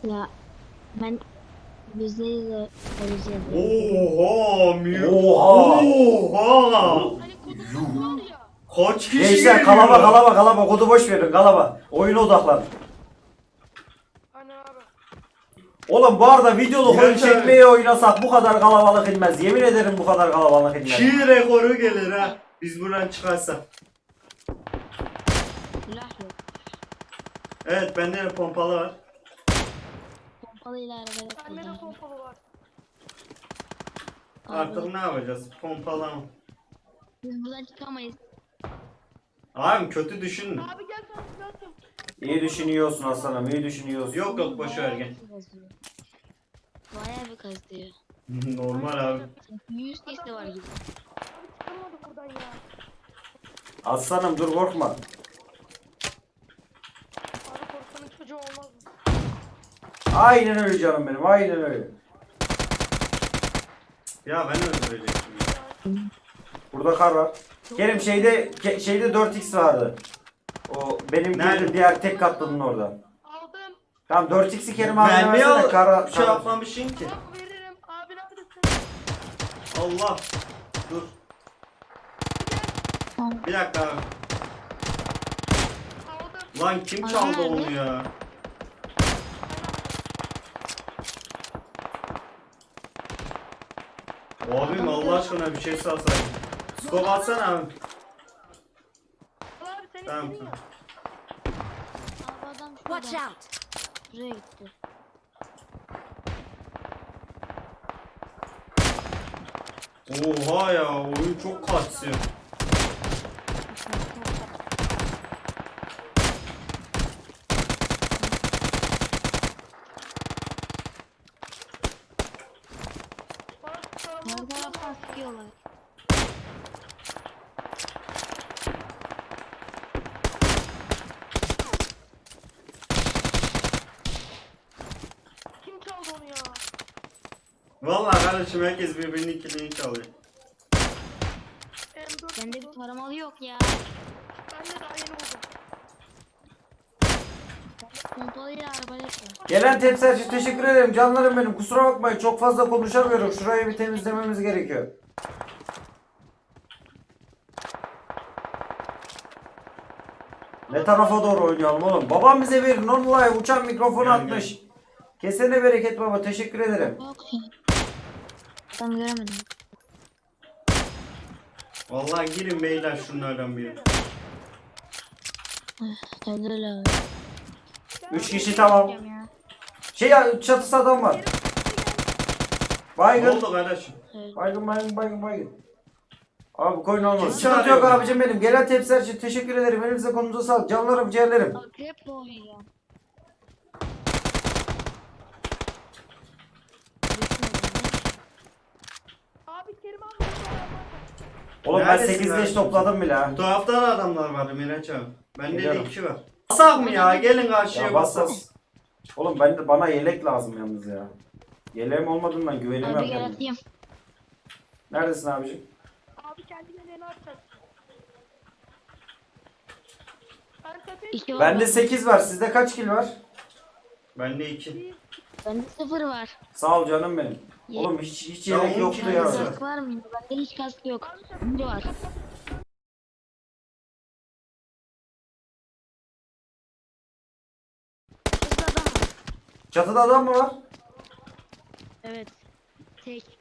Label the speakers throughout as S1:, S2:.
S1: Ya ben %100 vereceğim.
S2: Oha!
S3: Oha!
S4: Hani kodumuz var ya.
S3: Kaç kişi
S2: Gençler
S3: geliyor?
S2: kalaba kodu boş verin kalaba. Oyuna odaklan.
S4: Hani abi.
S2: Oğlum bu arada videolu oyun
S3: Gerçekten.
S2: çekmeye oynasak bu kadar kalabalık inmez. Yemin ederim bu kadar kalabalık inmez.
S3: Çiğ rekoru gelir ha. Biz buradan çıkarsak.
S1: Silah yok.
S3: Evet bende de pompalı var.
S1: Pompalıyla arabaya
S4: Bende de
S1: kullanıyorum.
S4: pompalı var.
S3: Artık ne yapacağız? Pompalı mı?
S1: Biz buradan çıkamayız.
S3: Abi kötü düşünme.
S4: Abi gel sana silah atayım.
S2: İyi düşünüyorsun aslanım, iyi düşünüyorsun.
S3: Yok yok boşver gel.
S1: Bayağı bir kazıyor.
S3: Normal abi.
S1: 100 sesli var gibi.
S4: Abi çıkamadık buradan ya.
S2: Aslanım dur korkma.
S4: Abi korkanın çocuğu olmaz mı?
S2: Aynen öyle canım benim, aynen öyle.
S3: Ya ben öldürecektim ya.
S2: Burada kar var. Kerim şeyde 4x vardı. O benim
S3: Nerede?
S2: girdiğim diğer tek katlının orada.
S4: Aldım.
S2: Tamam 4x'i Kerim abine
S3: Ben niye
S2: versene kara.
S3: şey yapmamışım ki?
S4: Tamam veririm. Abi neredesin?
S3: Allah. Dur. Bir dakika abi.
S4: Aldım.
S3: Lan kim
S1: Adam
S3: çaldı
S1: nerede?
S3: onu ya? Abim Allah aşkına bir şey salsaydın. Skop atsana abi.
S4: Al abi sen
S3: Tamam.
S4: istedin ya.
S1: Abi adam
S5: Watch
S1: şurada.
S5: out!
S1: Şuraya gitti.
S3: Oha ya oyun çok kasıyor.
S4: Bak sana
S1: Her taraftan sıkıyorlar.
S4: kim çaldı onu ya?
S3: Vallahi kardeşim herkes birbirinin kilini çalıyor.
S4: M4
S1: Bende bir
S4: buldum.
S1: taramalı yok ya.
S4: Ben de daha yeni buldum.
S1: Pompalıyla arabaya var.
S2: Gelen tepsiler için teşekkür ederim canlarım benim. Kusura bakmayın çok fazla konuşamıyorum. Şurayı bir temizlememiz gerekiyor. Ne tarafa doğru oynayalım oğlum? Babam bize bir non-live uçan mikrofon
S3: Gel,
S2: atmış. Kesene bereket baba teşekkür ederim.
S1: Yok ya. Adam göremedim.
S3: Vallahi girin beyler şunlardan biri.
S1: Öldür abi.
S2: 3 kişi tamam.
S1: Ya.
S2: Şey ya çatısı adam var.
S3: Ne
S2: Baygın.
S3: oldu kardeşim?
S1: Evet.
S2: Baygın. Abi koyun olmaz.
S3: Kim
S2: Sıkıntı yok
S3: çağırıyor
S2: abicim benim. Gelen tepsiler için teşekkür ederim. Elinize kolunuza sağlık. Canlarım ciğerlerim.
S1: Akrep boğuyor.
S4: Abi Kerim abi.
S2: Oğlum ben
S3: Neredesin
S2: 8 leş
S3: kardeşim?
S2: topladım bile ha.
S3: Bu tarafta da adamlar vardı Miraç abi. Bende de
S2: Geliyorum.
S3: 2 var. Basak mı ya? Gelin karşıya
S2: Ya
S3: basak.
S2: bassas. Oğlum bana yelek lazım yalnız ya. Yeleğim olmadığından güvenemiyorum
S1: Abi gel
S2: kendime.
S1: atayım.
S2: Neredesin abicim?
S4: Abi kendi geleni atacak. Ben tepeye
S1: İki var.
S2: Bende 8 var. Sizde kaç kill var?
S3: Bende 2.
S1: Bende 0 var.
S2: Sağ ol canım benim.
S1: Ye-
S2: Oğlum hiç
S3: Ya
S2: yelek
S3: on
S2: yoktu
S3: kill
S2: ya.
S3: var.
S1: Kask var mı? Bende hiç kask yok. Biri var. Şurada adam var.
S2: Çatıda adam mı var?
S1: Evet. Tek.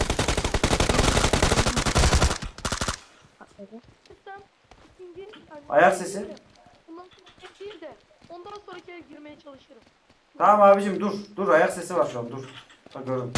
S1: Patladı.
S4: Sistem ikinci yani
S2: Ayak sesi.
S4: Bundan sonra değil de ondan sonraki eve girmeye çalışırım.
S2: Tamam abicim dur. Dur ayak sesi var şu an dur. Bak gördüm.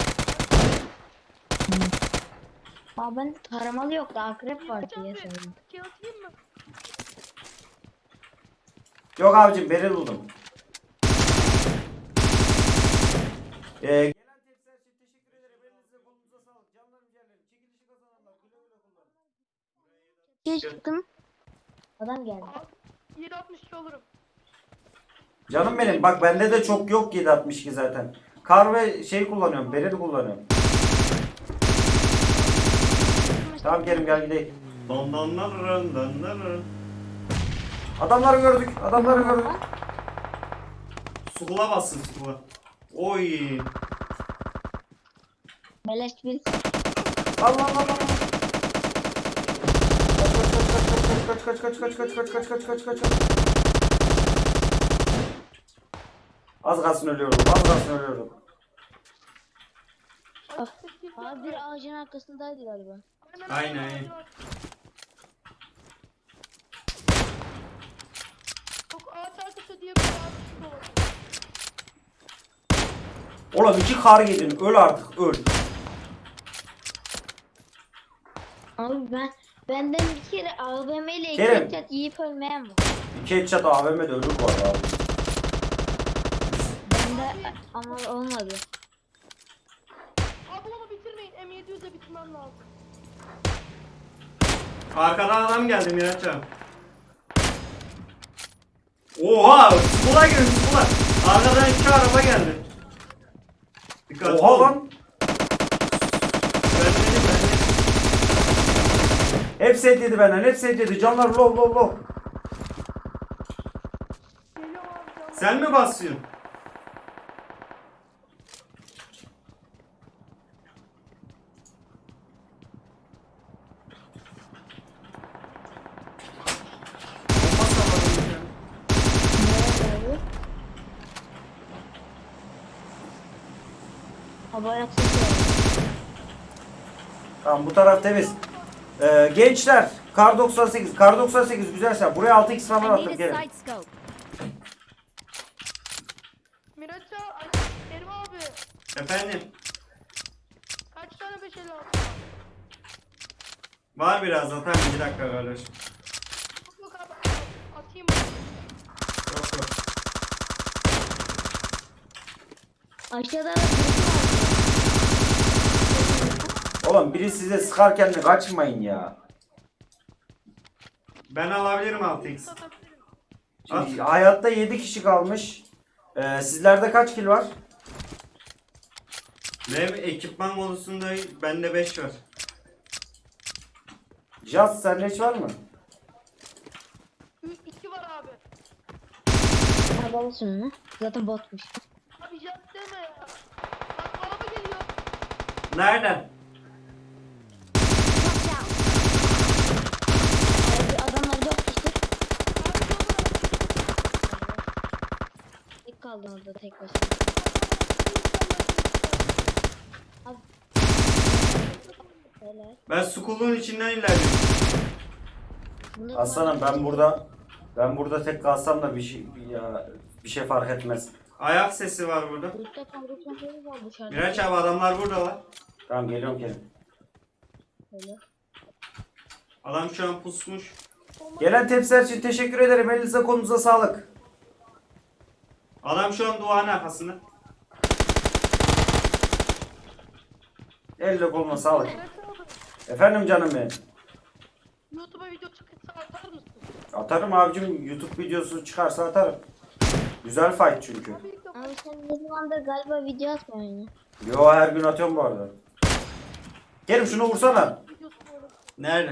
S1: Aa ben taramalı yoktu. Akrep var diye söyledim.
S4: Şey atayım mı?
S2: Yok abicim beril buldum. Gelen tepsiler için teşekkür ederim. Elinize kolunuza sağlık. Canlarım ciğerlerim. Çekilişi kazananlar. Güle güle kullanın.
S1: Geç çıktım. Adam geldi.
S4: Abi 762 olurum.
S2: Canım benim bak bende de çok yok 762 zaten. Kar ve şey kullanıyorum. Beril kullanıyorum. Tamam Kerim gel gidelim.
S3: Dandanlar.
S2: Adamları gördük.
S3: Sukula bassın sukula. Oy.
S1: Beleş bir.
S2: Allah Allah Allah. Kaç kaç kaç kaç kaç kaç kaç kaç kaç kaç kaç. Az kalsın ölüyordum. Az kalsın ölüyordum.
S1: Abi bir ağacın arkasındaydı galiba.
S3: Aynen.
S4: Çok ağaç arkası diye bir ağaç da var.
S2: Oğlum 2 kar yedin. Öl artık öl.
S1: Abi benden bir kere AVM ile iki
S2: Kerem.
S1: headshot yiyip ölmeyen var.
S2: 2 headshot AVM'de ölür bu arada abi.
S1: Bende ama olmadı.
S4: Abi onu bitirmeyin. M700'e bitirmem lazım.
S3: Arkadan adam geldi Miraç abi. Oha! Sukula girdi sukula. Arkadan 2 araba geldi. Dikkat
S2: Oha
S3: ol.
S2: lan.
S3: Ben dedim.
S2: Hepsi headledi benden. Hepsi headledi. Canlar low low low.
S4: Geliyorum abi canım.
S3: Sen mi basıyorsun? Bomba salladım ya.
S1: Abi ayak sesi var.
S2: Tamam bu taraf temiz. Gençler. Kar 98. Kar 98 güzel şey. Buraya 6x falan
S5: I
S2: attım
S5: need a
S2: gelin.
S5: side scope.
S4: Miraç abi, Kerim abi.
S3: Efendim?
S4: Kaç tane 556 var?
S3: Var biraz zaten 2 dakika kardeşim.
S4: Yok abi, atayım mı?
S3: Yok yok.
S1: Aşağıda da birisi var.
S2: Oğlum biri size sıkarken de kaçmayın ya.
S3: Ben alabilirim 6x.
S4: Atabilirim.
S2: Şimdi hayatta 7 kişi kalmış. Sizlerde kaç kill var?
S3: Ve ekipman konusunda bende 5 var.
S2: Jazz sende hiç var mı?
S4: 2 var abi.
S1: Havalı şunu. Zaten botmuş.
S4: Abi jant deme ya. Bak araba geliyor.
S3: Nereden?
S5: Watch out.
S1: Abi adamlar 4 kişi.
S4: Abi yolda.
S1: Tek kaldın orada tek başına. Abi. Helal.
S3: Ben Skull'un içinden ilerliyorum.
S1: Bunda
S2: Aslanım ben burada tek kalsam da bir şey fark etmez.
S3: Ayak sesi var burada.
S1: Grupta kaldırsan şey var dışarıda.
S3: Miraç abi adamlar buradalar.
S2: Tamam geliyorum Kerim.
S1: Öyle.
S3: Adam şu an pusmuş.
S2: Gelen tepsiler için teşekkür ederim. Elinize kolunuza sağlık.
S3: Adam şu an duvarın arkasında.
S2: Eline koluna sağlık.
S4: Miraç abi.
S2: Efendim canım benim.
S4: YouTube'a video çıkarsa atar mısın?
S2: Atarım abicim. YouTube videosu çıkarsa atarım. Güzel fight çünkü.
S4: Abi ilk defa.
S1: Abi sen ne zamandır galiba video atmıyorsun ya.
S2: Yo her gün atıyorum bu arada. Kerim şunu vursana.
S4: Videosu böyle.
S3: Nerede?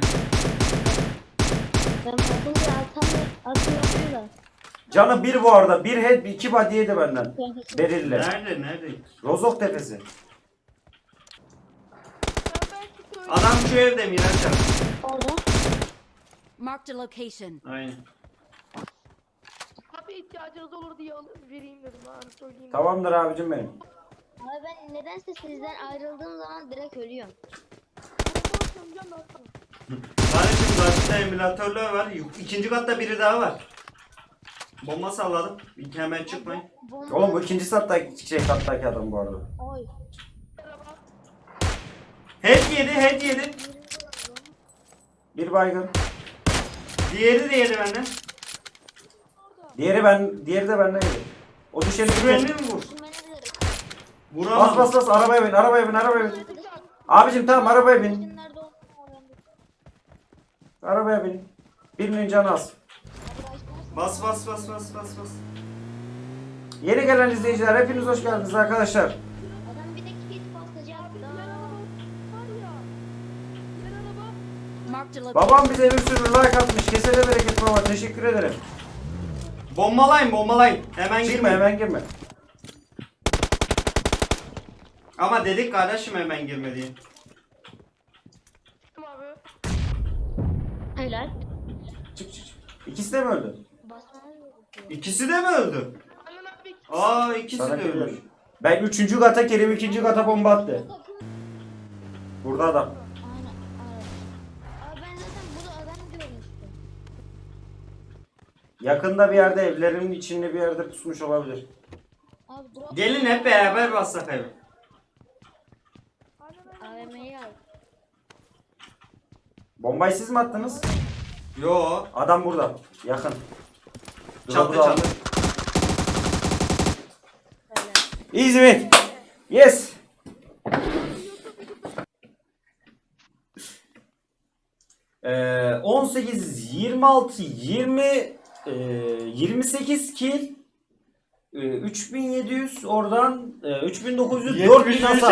S1: Ben bakınca atamıyorum da.
S2: Canı bir bu arada. Bir head 2 body yedi benden. Beril'le.
S3: Nerede? Nerede?
S2: Rozok tepesi.
S4: Ben belki söyleyeyim.
S3: Adam şu evde Miraç abi.
S1: Orada.
S5: Marked a location.
S3: Aynen.
S4: Abi ihtiyacınız olur diye vereyim dedim abi söyleyeyim.
S2: Tamamdır abicim benim.
S1: Abi ben nedense sizden ayrıldığım zaman direkt ölüyorum.
S4: Ben sana.
S3: Kardeşim karşıda emülatörler var. İkinci katta biri daha var. Bomba salladım. Hemen çıkmayın.
S1: Bomba.
S2: Oğlum bu ikinci kattaki adam bu arada.
S1: Oy.
S4: Merhaba.
S3: Head yedi.
S2: Bir baygın.
S3: Diğeri de yedi benden.
S2: Diğeri de benden yedi. O düşeni
S3: Sürenli
S2: bitir.
S3: mi vur?
S1: Düşünmenebilirim.
S3: Vuramam.
S2: Bas arabaya bin arabaya bin. Abicim tamam arabaya bin.
S1: Nerede olduğunu öğrendim.
S2: Arabaya bin. Birinin canı az.
S3: Bas.
S2: Yeni gelen izleyiciler hepiniz hoş geldiniz arkadaşlar.
S1: Adam bir de kit basacak.
S4: Var ya. Diğer araba.
S5: Marked a location.
S2: Babam bize bir sürü like atmış. Kesene bereket baba. Teşekkür ederim.
S3: Bombalayın. Hemen
S2: Girme
S3: girme.
S2: hemen girme.
S3: Ama dedik kardeşim hemen girme diye.
S4: Tamam abi.
S1: Helal.
S2: Çık. İkisi de mi öldü?
S1: Basmanız gerekiyor.
S3: İkisi de mi öldü?
S4: Aynen abi.
S3: Aa ikisi
S2: Sana
S3: de
S2: geliyor.
S3: ölmüş.
S2: Ben 3. kata, Kerim 2. kata bomba attı. Burada adam.
S1: Aynen. Abi ben zaten burada adam görmüştüm.
S2: Yakında bir yerde, evlerin içinde bir yerde pusmuş olabilir.
S1: Abi drop
S3: Gelin hep beraber bassak evi.
S1: AVM'yi al.
S2: Bombayı siz mi attınız?
S3: Yo.
S2: Adam burada. Yakın.
S3: Çatı
S2: Drop'u aldı.
S3: çatı.
S2: Easy win. Yes. Ee, 18, 26, 20, 28 kill, 3700 oradan 3900, 4000 hasar.